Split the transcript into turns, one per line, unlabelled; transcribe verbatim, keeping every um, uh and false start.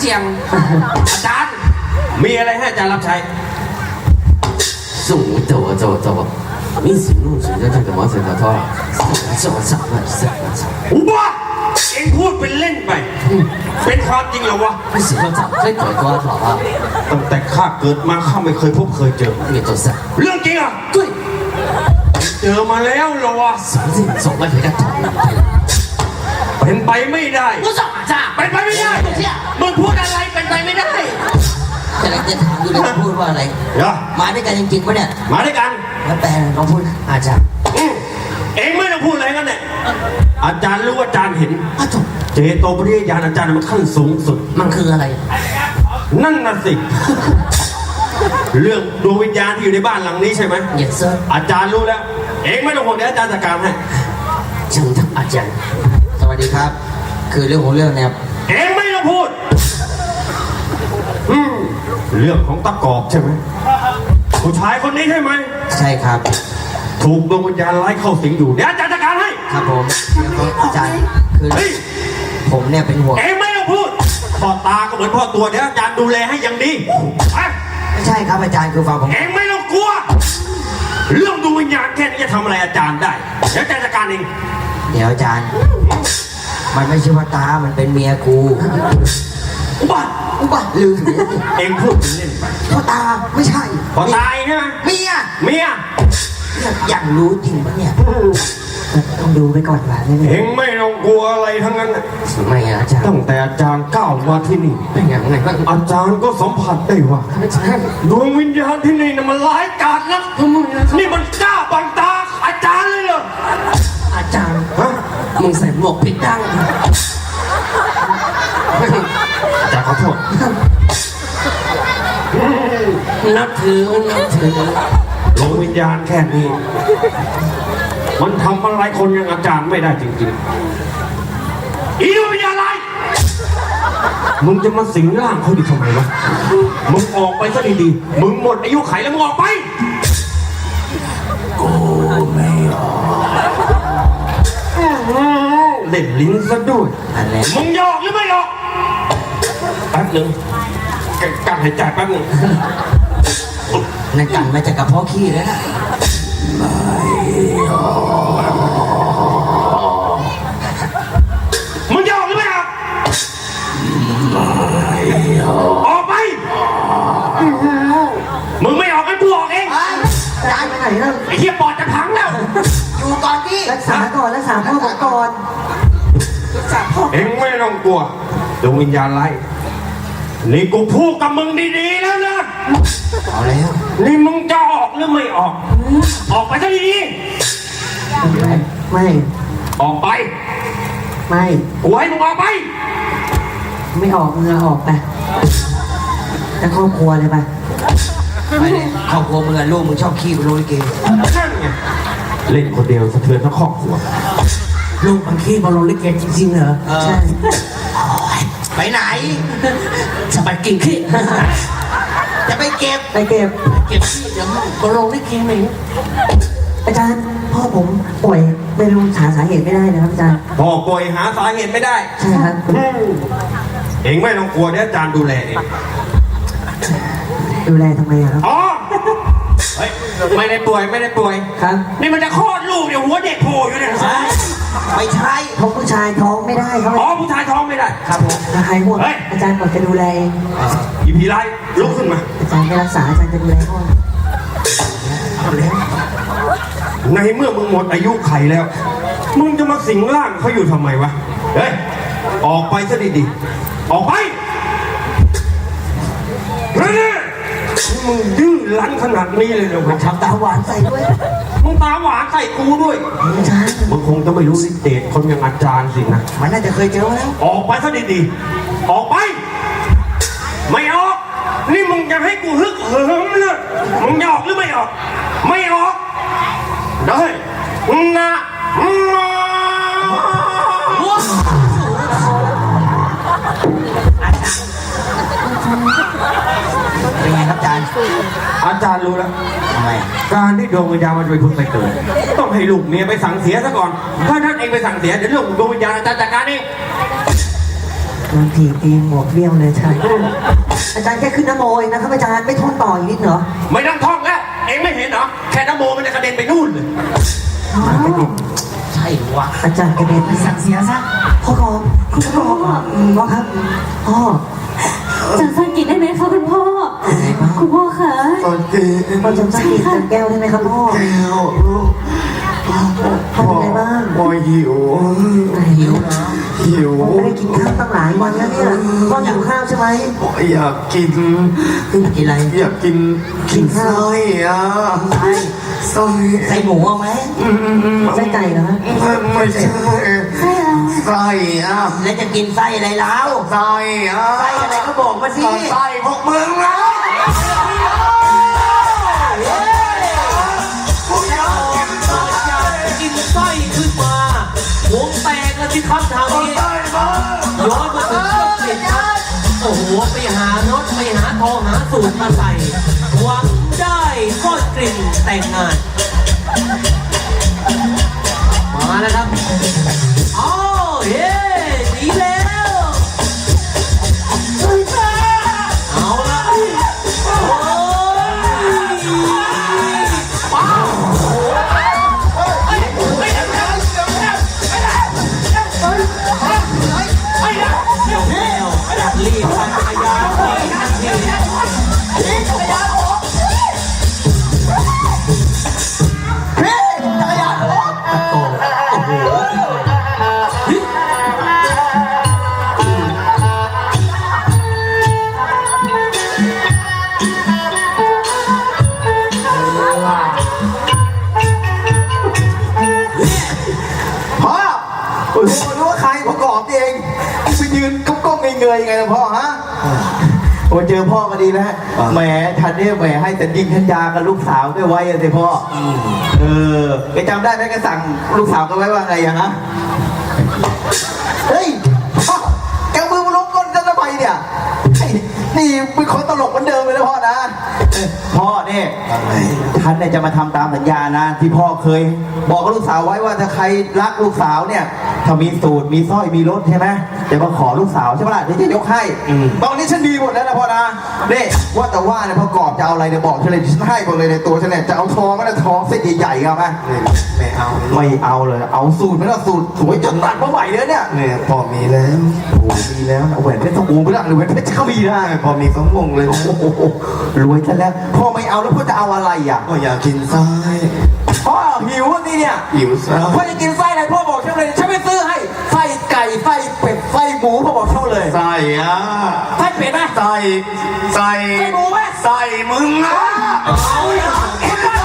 สี่ยงอาจารย์มีอะไรให้อาจารย์รับใช้
送我走啊走啊走啊！一起弄谁的这个毛水头头啊？走走走走走！
อุบ้าเอ็งพูดเป็นเล่นไปเป็นความจริงเหรอวะ
不喜欢早这鬼多少啊？
ตั้งแต่ข้าเกิดมาข้าไม่เคยพบเคยเจอ
你都是
เรื่องจริงอ่ะ
对，
เจอมาแล้วเหรอวะ
什么这走了人家头？
เป็นไปไม่ได้
我怎么着？
เป็นไปไม่ได้มึงพูดอะไรเป็นไปไม่ได้
กำลังจะถามอยู่เลยพูดว่าอะไรมาด้วยกันจริงๆปะเนี่ย
มาด้วยกัน
แล้วแต่เขาพูดอาจารย์
เองไม่ต้องพูดอะไรกันเนี่ยอาจารย์รู้อาจารย์เห็น
อ้าวจบ
เจโตปริยญาณอาจารย์มันขั้นสูงสุด
มันคืออะไร
นั่นน่ะสิเรื่องดวงวิญญาณที่อยู่ในบ้านหลังนี้ใช่ไหม
Yes sir
อาจารย์รู้แล้วเองไม่ต้องห่วงเดี๋ยวอาจารย์จัดการให้
เชิญท่านอาจารย์สวัสดีครับคือเรื่องของเรื่องเนี่ย
เองไม่ต้องพูดเรื่องของตะกอบใช่ไหมผู้ชายคนนี้ใช่ไหม
ใช่ครับ
ถูกดวงวิญญาณไล่เข้าสิงอยู่เดี๋ยวอาจารย์จัดการให้
ครับผมอาจารย์คือผมเนี่ยเป็นห่วง
เองไม่ต้องพูดพ่อตาก็เหมือนพ่อตัวเดี๋ยวอาจารย์ดูแลให้อย่างดี
ไม่ใช่ครับอาจารย์คือฟังผม
เองไม่ต้องกลัวเรื่องดวงวิญญาณแค่นี้จะทำอะไรอาจารย์ได้เดี๋ยวอาจารย์จัดการเอง
เดี๋ยวอาจารย์มันไม่ใช่ว่าตามันเป็นเมียกู
อุบัติ
อุบัติลืม
เองพูดเล่นไป
พ่อตาไม่ใช่
พ่อตายใช่ไหม
เมีย
เมีย
อยากรู้จริงปะเนี่ยต้องดูไปก่อนว่า
เองไม่ต้องกลัวอะไรทั้งนั้น
ไม่อาจารย์
ตั้งแต่อาจารย์ก้าวมาที่นี่
เป็นอย่างไรบ้าง
อาจารย์ก็สัมผัสได้ว่าดวงวิญญาณที่นี่น่ะมันร้ายกาจนะนี่มันกล้าบังตาอาจารย์เลยเหรอ
อาจารย์ฮะมึงใส่หมวกผิดดัง
อาจารย์ขอโทษ
นับถือนับถือ
ดวงวิญญาณแค่นี้มันทำอะไรคนอย่างอาจารย์ไม่ได้จริงๆอีดวงวิญญาณอะไรมึงจะมาสิงร่างเขาดิทำไมวะมึงออกไปซะดีๆมึงหมดอายุไขแล้วมึงออกไป
กูไม่ออก
เล่นลิ้นซะด้วยมึงยอกหรือไม่ยอกแป๊บหนึ่งการหายใจแป๊บหนึ่ง
นั่นกันมาจากกระเพาะขี้แล้วนะไม่ออก
มึงยอกหรือไม่ยอก
ไม่ออก
ออกไปมึงไม่ออกให้กูออกเอง
จะไปไหนล่ะ
ไอ้เหี้ยปอดจะพังแล้ว
อยู่ก่อนพี่รักษาก่อนรักษาพ่อผมก่อนรักษาพ่อ
เอ็งไม่ต้องกลัวดวงวิญญาณไล่นี่กูพูดกับมึงดีๆแล้วนะ
เอาแล้ว
นี่มึงจะออกหรือไม่ออกออกไปซะดี
ๆไม่
ออกไป
ไม่
กูให้มึงออกไป
ไม่ออกมึงออกไปแต่ครอบครัวเลยไปไปเลยครอบครัวมึงอะลูกมึงชอบขี้ไปโรยเกย์
นั่นไงเล่นคนเดียวสะเทือนทั้งครอบครัว
ลูกมันขี้บอลลูนเล็กเกย์จริงๆเหรอใช่ไปไหนจะไปกินขี้จะไปเก็บไปเก็บเก็บขี้เดี๋ยวบอลลูนเล็กเกย์ไหมอาจารย์พ่อผมป่วยไม่รู้หาสาเหตุไม่ได้นะครับอาจารย์
พ่อป่วยหาสาเหตุไม่ได้
ใช่ครับ
เองไม่ต้องกลัวเดี๋ยวอาจารย์ดูแลเอง
ดูแลทำไมครับ
อ๋อเฮ้ยไม่ได้ป่วยไม่ได้ป่วย
ครับ
นี่มันจะคลอดลูกเดี๋ยวหัวเด็กโผล่อยู่เนี่ย
ไม่ใช่เพราะผู้ชายท้องไม่ได้ครับ
อ๋อผู้ชายท้องไม่ได้
ครับผมใครห่วงอาจารย์บอกจะดูแล
อีพีไรลุกขึ้นมา
อาจารย์ไม่รักษาอาจารย์จะดูแลพ่อ
เอาแล้วในเมื่อมึงหมดอายุไขแล้วมึงจะมาสิงร่างเขาอยู่ทำไมวะเฮ้ยออกไปซะดีๆออกไปเฮ้ยมึงดื้อรั้นขนาดนี้เลยเหรอ
มันทำตาหวานใส่ด้วย
มึงตาหวานใส่กูด้วย
ไม่ใช่
มึงคงจะไม่รู้นิเตศคนอย่างอาจารย์สินะ
มันน่าจะเคยเจอแล้ว
ออกไปซะดีๆออกไปไม่ออกนี่มึงจะให้กูฮึกเหิมเลยมึงจะออกหรือไม่ออกไม่ออกได้นะ
เป็นไงครับอาจารย์
อาจารย์รู้แล้ว
ทำไม
การที่ดวงวิญญาณมันจะไปพึ่งไปเกิดต้องให้ลูกเมียไปสั่งเสียซะก่อนถ้าท่านเองไปสั่งเสียเดี๋ยวเรื่องดวงวิญญาณอาจารย์จัดการเอง
โดนถีบตีหมวกเบี้ยวเลยอาจารย์อาจารย์แค่ขึ้นน้ำโมเองนะครับอาจารย์ไม่ท่องต่ออีกนิดเหรอ
ไม่ต้องท่องแล้ว เองไม่เห็นเหรอ แค่น้ำโมมันจะกระเด็นไปนู่นเลย
ใช่วะ
อาจารย์กระเด็น
สั่งเสียซะ
พ่อกองคุณพ่อกองพ่อครับพ่อ
จำสังกิตได้ไหมคะคุณพ่อ คุณพ่อคะ
ตอนเจ๊
พ่อจำสักทีจำแก้วได้ไหมครับพ่อ
แก้วลูก
พ่อเป็นไงบ้าง
พ่อหิว
หิวนะ
หิว
ไม่ได้กินข้าวตั้งหลายวันแล้วเนี่ยพ่อหิวข้าวใช่ไหม
พ่ออยากกิน
กินอะไร
อยากกินกินไส้อ่ะ
ไส้
ไส้
ใส่หมูเอาไหม
ไส้ไก่เหรอฮะ
ไม่ไม่ใช่
ใช่แล้ว
ไส้อ่ะ
แล้วจะกินไส้อะไรแล้ว
ไส้อ่ะ
ไส้อะไรก็บอกมาสิ
ไส้พวกมึงนะ
กินไส้ขึ้นมาวงแตกแล้วที่ครับทางนี้
ไส้มา
ย้อนมาถึงช่วงเปลี่ยนครับโอ้โหไปหารถไปหาทองหาสูตรมาใส่หวังได้ก้อนกลิ่นแต่งงาน มาแล้วครับอ๋อเย้ดีแล้วเอาละโอ้ยว้าวรีบปั่นจักรยานหนีทันทีตะโกนโอ้โห
พ่อโอ้ยผมรู้ว่าใครประกอบเองไปยืนก้มก้มเงยๆไงล่ะพ่อฮะโอ้เจอพ่อก็ดีแล้วแหมฉันเนี่ยแหมให้แต่ยิงทัญญากับลูกสาวไม่ไว้เลยพ่อเออแกจำได้ไหมแกสั่งลูกสาวกันไว้ว่าไงอะฮะเฮ้ยพ่อแกเอามือมาล้มก้นฉันทำไมเนี่ยไอ้นี่เป็นคนตลกเหมือนเดิมเลยนะพ่อนะเออพ่อเนี่ยฉันเนี่ยจะมาทำตามสัญญานะที่พ่อเคย บอกกับลูกสาวไว้ว่าถ้าใครรักลูกสาวเนี่ยถ้ามีสูตรมีสร้อยมีรถใช่ไหมจะมาขอลูกสาวใช่ไหมล่ะเดี๋ยวจะยกให้ตอนนี้ฉันดีหมดแล้วนะพ่อนะนี่ว่าแต่ว่าเนี่ยพ่อกอบจะเอาอะไรเนี่ยบอกฉันเลยฉันให้หมดเลยในตัวฉันเนี่ยจะเอาทองก็ได้ทองเส้นใหญ่ๆเอาไหมไม่เอาไม่เอาเลยเอาสูตรไม่เอาสูตรสวยจนตัดมาใหม่เลยเนี่ยเนี่ยพอมีแล้วโอ้มีแล้วเอาแหวนเพชรสมวงไปละหรือแหวนเพชรก็มีได้พอมีสมวงเลยโอ้โหรวยซะแล้วพ่อไม่เอาแล้วพ่อจะเอาอะไรอ่ะพ่ออยากกินไส้พ่อหิวอ่ะนี่เนี่ยหิวไส้พ่อจะกินไส้อะไรพ่อบอกฉันเลยฉันไม่ซื้อให้ไส้ไก่ไส้เป็ดไส้หมูพ่อบอกฉันเลยไส้อ่ะ
ไส้เป็ดไหม
ไส้ไส้
ไส้หมูไหม
ไส้มึงนะ
เอาละ